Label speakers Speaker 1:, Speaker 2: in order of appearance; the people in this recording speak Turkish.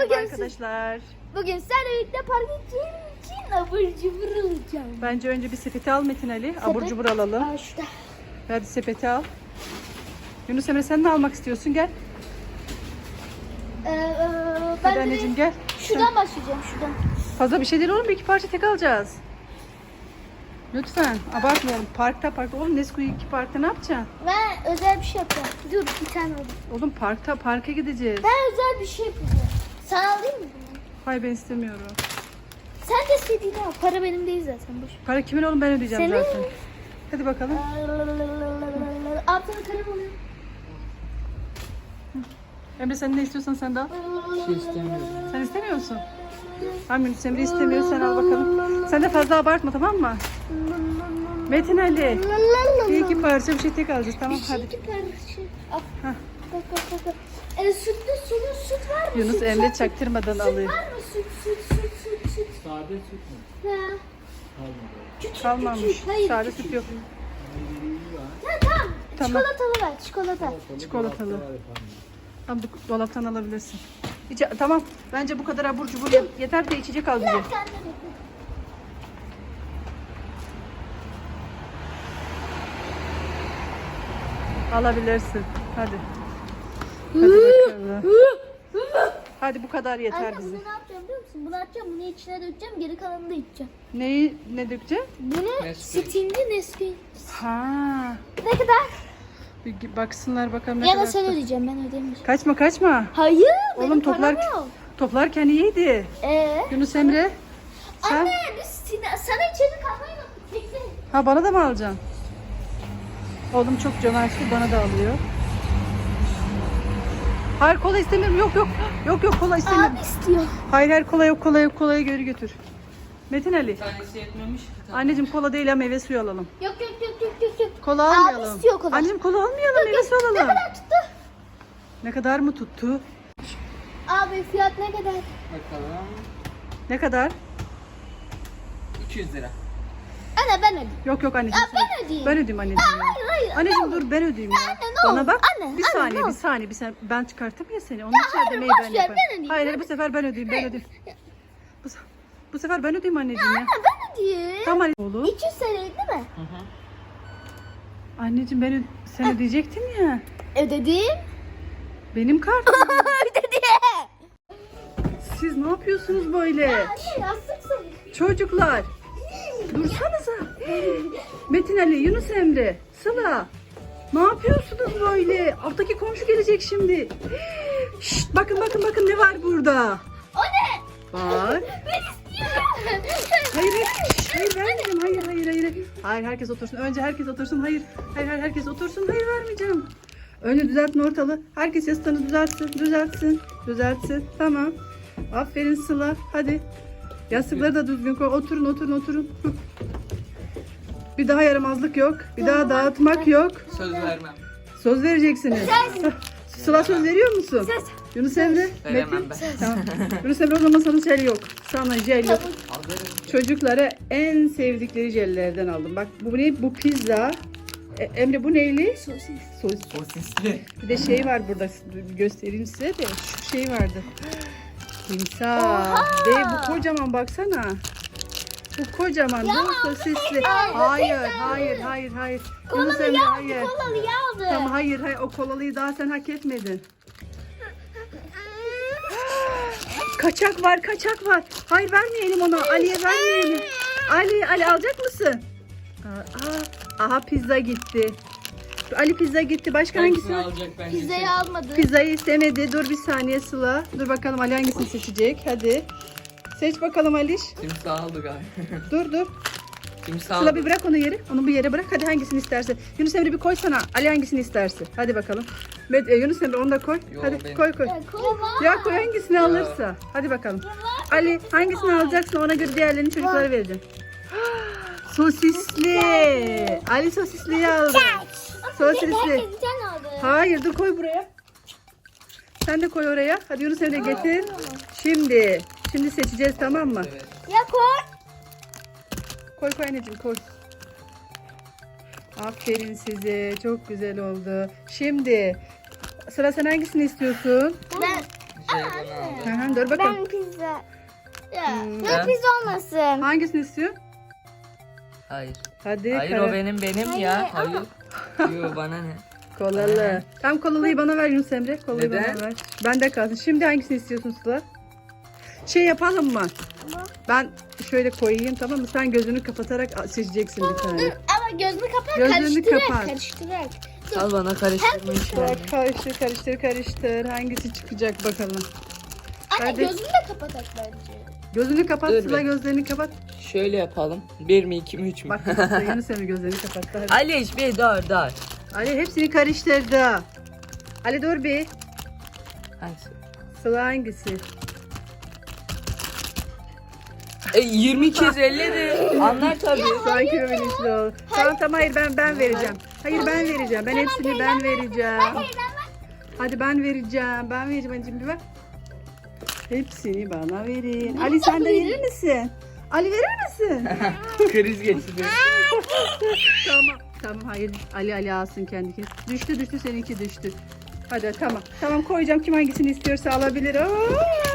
Speaker 1: Merhaba
Speaker 2: Bugün
Speaker 1: arkadaşlar.
Speaker 2: Bugün seninle birlikte parka gideceğim için abur cubur alacağım.
Speaker 1: Bence önce bir sepeti al Metin Ali. Abur cubur alalım.
Speaker 2: Aa, şurada.
Speaker 1: Hadi sepeti al. Yunus Emre sen ne almak istiyorsun? Gel.
Speaker 2: Ben
Speaker 1: Hadi
Speaker 2: de
Speaker 1: anneciğim gel.
Speaker 2: şuradan başlayacağım şuradan.
Speaker 1: Fazla bir şey değil oğlum. Bir iki parça tek alacağız. Lütfen abartmayalım. Parkta. Oğlum Nesquik 2 parkta ne yapacaksın?
Speaker 2: Ben özel bir şey yapacağım. Dur bir tane alayım.
Speaker 1: Oğlum parka gideceğiz.
Speaker 2: Ben özel bir şey yapacağım. Sana alayım mı bunu?
Speaker 1: Hayır ben istemiyorum.
Speaker 2: Sen de istediğini al. Para benim değil zaten. Boş.
Speaker 1: Para kimin oğlum ben ödeyeceğim
Speaker 2: Senin.
Speaker 1: zaten. Hadi bakalım.
Speaker 2: Altına kalem alayım.
Speaker 1: Emre sen ne istiyorsan sen de al.
Speaker 3: İstemiyorum.
Speaker 1: Sen istemiyor musun? Tamam Yunus Emre istemiyor sen al bakalım. Sen de fazla abartma tamam mı? Metin Ali. Bir iki parça bir şey tek alacağız tamam hadi.
Speaker 2: İki parça. Al.
Speaker 1: Hah.
Speaker 2: Bak. Süt var mı?
Speaker 1: Yunus
Speaker 2: Süt,
Speaker 1: Emre
Speaker 2: süt,
Speaker 1: çaktırmadan
Speaker 2: süt
Speaker 1: alıyor.
Speaker 2: var mı? Süt.
Speaker 3: Sade süt mü?
Speaker 2: Ha.
Speaker 3: Kalmadı.
Speaker 2: Küçük.
Speaker 1: Kalmamış.
Speaker 2: Hayır,
Speaker 1: Sade
Speaker 2: küçük.
Speaker 1: süt yok.
Speaker 2: Tamam.
Speaker 1: Tamam.
Speaker 2: Çikolatalı ver. Çikolata.
Speaker 1: Çikolatalı. Tamam bu dolaptan alabilirsin. Tamam. Bence bu kadar abur cubur yeter de içecek al bize.
Speaker 2: Bir tane de.
Speaker 1: Alabilirsin. Hadi. Hadi bakalım. Hadi bu kadar yeter
Speaker 2: Anne
Speaker 1: bize.
Speaker 2: bunu ne yapacağım biliyor musun? Bunu atacağım, bunu içine dökeceğim, geri kalanını da içeceğim.
Speaker 1: Ne dökeceksin?
Speaker 2: Bunu
Speaker 3: Nesquik.
Speaker 2: Sting'li Nesquik.
Speaker 1: Ha.
Speaker 2: Ne kadar?
Speaker 1: Bir baksınlar bakalım ne
Speaker 2: Ya
Speaker 1: kadar.
Speaker 2: da sen ödeyeceğim, ben ödemeyeceğim.
Speaker 1: Kaçma.
Speaker 2: Hayır,
Speaker 1: Oğlum
Speaker 2: benim param yok.
Speaker 1: toplarken iyiydi. Yunus Emre. Sen?
Speaker 2: Anne biz sana içeri kalmayı unuttuk. Bekle.
Speaker 1: Ha bana da mı alacaksın? Oğlum çok cömertli bana da alıyor. Hayır kola istemiyorum. Yok kola istemiyorum.
Speaker 2: Abi istiyor.
Speaker 1: Hayır kolayı geri götür. Metin Ali.
Speaker 3: Tanesi yetmemiş ki.
Speaker 1: Anneciğim kola değil ha meyve suyu alalım.
Speaker 2: Yok.
Speaker 1: Kola
Speaker 2: Abi
Speaker 1: almayalım.
Speaker 2: istiyor kola.
Speaker 1: Anneciğim kola almayalım meyve suyu
Speaker 2: Ne
Speaker 1: alalım.
Speaker 2: kadar tuttu?
Speaker 1: Ne kadar mı tuttu?
Speaker 2: Abi fiyat ne kadar?
Speaker 3: Bakalım.
Speaker 1: Ne kadar?
Speaker 3: 200 lira.
Speaker 2: Anne ben ödeyeyim.
Speaker 1: Yok anneciğim.
Speaker 2: Ya ben ödeyeyim.
Speaker 1: Ben ödeyeyim anneciğim. Ya.
Speaker 2: Hayır.
Speaker 1: Anneciğim dur ben ödeyeyim ya.
Speaker 2: Anne, ne
Speaker 1: Bana
Speaker 2: olur.
Speaker 1: bak.
Speaker 2: Anne,
Speaker 1: bir
Speaker 2: anne,
Speaker 1: saniye
Speaker 2: ne
Speaker 1: bir saniye. Ben çıkarttım ya seni. Onun için
Speaker 2: hayır,
Speaker 1: ödemeyi
Speaker 2: boş
Speaker 1: ben
Speaker 2: ver,
Speaker 1: yaparım.
Speaker 2: ben ödeyeyim.
Speaker 1: Hayır bu sefer ben ödeyeyim. Bu sefer ben ödeyeyim anneciğim ya.
Speaker 2: Anne ben ödeyeyim.
Speaker 1: Tamam anne. Oğlum.
Speaker 2: 200 TL değil mi?
Speaker 3: Hı hı.
Speaker 1: Anneciğim sen ödeyecektin ya.
Speaker 2: Ödedim.
Speaker 1: Benim kartım.
Speaker 2: Ödedim.
Speaker 1: Siz ne yapıyorsunuz böyle?
Speaker 2: Anne yastıksın.
Speaker 1: Çocuklar. Dursanıza. Metin Ali, Yunus Emre, Sıla. Ne yapıyorsunuz böyle? Alttaki komşu gelecek şimdi. Şşt, bakın ne var burada?
Speaker 2: O ne?
Speaker 1: Var.
Speaker 2: Ben istiyorum.
Speaker 1: Hayır vermeyeceğim. Hayır herkes otursun. Önce herkes otursun. Hayır herkes otursun. Hayır vermeyeceğim. Önce düzeltin ortalığı. Herkes yastığını düzeltsin. Tamam. Aferin Sıla. Hadi. Yastıkları da düzgün koy. Oturun. Hı. Bir daha yaramazlık yok. Bir daha dağıtmak yok.
Speaker 3: Söz vermem.
Speaker 1: Söz vereceksiniz. Sıla söz veriyor musun?
Speaker 2: Söz.
Speaker 1: Yunus Emre,
Speaker 3: Veremem
Speaker 1: Metin.
Speaker 3: ben.
Speaker 1: Tamam. Yunus Emre o zaman sana jel yok. Sana jel yok.
Speaker 3: Alırım.
Speaker 1: Çocuklara en sevdikleri jellerden aldım. Bak bu ne? Bu pizza. Emre bu neyli?
Speaker 2: Sosis.
Speaker 3: Sosisli.
Speaker 1: Bir de şey var burada. Göstereyim size de. Şu şey vardı. Timsah.
Speaker 2: Oha!
Speaker 1: Ve bu kocaman baksana. Bu kocaman. Bu sosisli. Hayır. Yunus Emre hayır.
Speaker 2: Kolalı yağdı.
Speaker 1: Tamam hayır. O kolalıyı daha sen hak etmedin. Kaçak var. Hayır vermeyelim ona. Ali'ye vermeyelim. Ali alacak mısın? Aha pizza gitti. Ali pizza gitti. Başka hangisi
Speaker 3: Hangisini
Speaker 1: var?
Speaker 3: alacak bence?
Speaker 2: Pizzayı almadı.
Speaker 1: Pizzayı istemedi. Dur bir saniye Sıla. Dur bakalım Ali hangisini seçecek. Hadi. Seç bakalım Aliş.
Speaker 3: Timsah aldı galiba.
Speaker 1: Dur.
Speaker 3: Timsah
Speaker 1: Sıla
Speaker 3: aldı.
Speaker 1: bir bırak onu yere. Onu bir yere bırak. Hadi hangisini isterse. Yunus Emre bir koysana. Ali hangisini isterse. Hadi bakalım. Yunus Emre onu da koy.
Speaker 3: Yo,
Speaker 1: Hadi
Speaker 3: benim.
Speaker 1: koy.
Speaker 2: Kola.
Speaker 1: Ya koy hangisini alırsa. Hadi bakalım. Ali hangisini alacaksın ona göre diğerlerini çocuklara vereceğim. Sosisli. Ali sosisliyi aldı. Sosisli.
Speaker 2: Herkes bir tane aldı.
Speaker 1: Hayır dur koy buraya. Sen de koy oraya. Hadi Yunus Emre getir. Şimdi seçeceğiz tamam mı?
Speaker 3: Evet.
Speaker 2: Ya koy.
Speaker 1: Koy anneciğim koy. Aferin size. Çok güzel oldu. Şimdi sıra sen hangisini istiyorsun?
Speaker 2: Ben
Speaker 3: Jelibonu aldı.
Speaker 1: Dur bakalım.
Speaker 2: Ben pizza. Ya,
Speaker 1: Hmm.
Speaker 2: ya pizza olmasın.
Speaker 1: Hangisini istiyor?
Speaker 3: Hayır.
Speaker 1: Hadi.
Speaker 3: Hayır
Speaker 1: karar-
Speaker 3: o benim ya.
Speaker 2: Hayır,
Speaker 3: Hayır. Yo bana ne?
Speaker 1: Kolalı. Tam kolalıyı bana ver Yunus Emre. Kolayı
Speaker 3: Neden?
Speaker 1: bana ver. Bende kalsın. Şimdi hangisini istiyorsun Sıla? Şey yapalım mı? Ben şöyle koyayım, tamam mı? Sen gözünü kapatarak seçeceksin bir tane.
Speaker 2: Ama gözünü kapat,
Speaker 1: Gözlerini
Speaker 2: karıştırarak,
Speaker 1: kapat.
Speaker 2: karıştırarak.
Speaker 3: Al bana karıştırma işi.
Speaker 1: Bak, karıştır. Hangisi çıkacak bakalım.
Speaker 2: Anne
Speaker 1: Hadi.
Speaker 2: gözünü de kapatak bence.
Speaker 1: Gözünü kapat
Speaker 3: Dur
Speaker 1: Sıla,
Speaker 3: bir.
Speaker 1: gözlerini kapat.
Speaker 3: Şöyle yapalım. 1 mi 2 mi 3 mü?
Speaker 1: Bak kapattı. Yunus Emre gözlerini kapattı. Hadi.
Speaker 3: Ali bir dur.
Speaker 1: Ali hepsini karıştırdı. Ali dur bir.
Speaker 3: Hangisi?
Speaker 1: Sıla hangisi?
Speaker 3: 22 50 de. Anlar tabii.
Speaker 1: Sanki bilinçli ol. Tamam hayır ben vereceğim. Hayır ben vereceğim. Ben hepsini ben vereceğim. Hadi ben vereceğim. Ben vereceğim anneciğim, bir bak. Hepsini bana verin. Ali sen de verir misin? Ali verir misin?
Speaker 3: Kriz geçiriyor.
Speaker 1: Tamam hayır. Ali alsın kendisi. Düştü seninki düştü. Hadi tamam. Tamam koyacağım. Kim hangisini istiyorsa alabilir. Aa!